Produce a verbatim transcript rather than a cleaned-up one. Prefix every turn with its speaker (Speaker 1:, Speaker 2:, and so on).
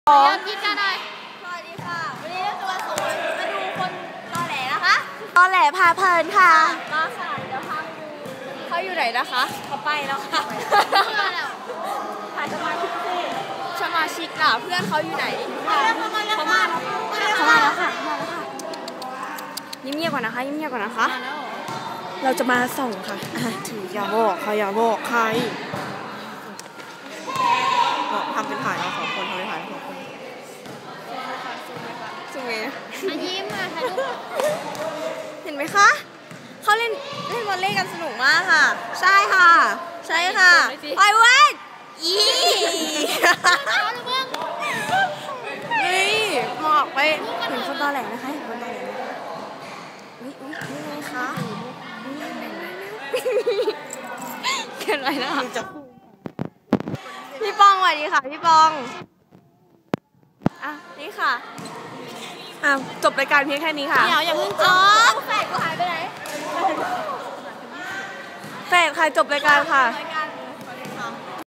Speaker 1: เรียนกินกันหน่อยสวัสดีค่ะวันนี้เราจะมาสอนมาดูคนตอแหลนะคะตอแหลพาเพลินค่ะมาค่ะเดี๋ยวพาไปดูเขาอยู่ไหนนะคะเขาไปแล้วค่ะถ่ายสมาชิกสิสมาชิกล่ะเพื่อนเขาอยู่ไหนเขามาแล้วเขามาเขามาแล้วค่ะมาแล้วค่ะยิ้มเงียบก่อนนะคะยิ้มเงียบก่อนนะคะเราจะมาส่งค่ะถืออย่าบอกใครอย่าบอกใครทำเป็นถ่ายเราสองคนทำเป็นถ่ายเราสองคนสวยอายิ้มค่ะถ่ายรูปเห็นไหมคะเขาเล่นเล่นวอลเลย์กันสนุกมากค่ะใช่ค่ะใช่ค่ะไปเว้ยอีนี่หมอกไปเห็นคนตอแหลนะคะเห็นคนตอแหลอุ้ยอุ้ยนี่ไงคะเกินไปนะคะพี่ปองสวัสดีค่ะพี่ปองอ่ะนี่ค่ะอ่ะจบรายการเพียงแค่นี้ค่ะเดี๋ยวอย่าเพิ่งจบแฟดกูหายไปไหนแฟดใครจบรายการค่ะ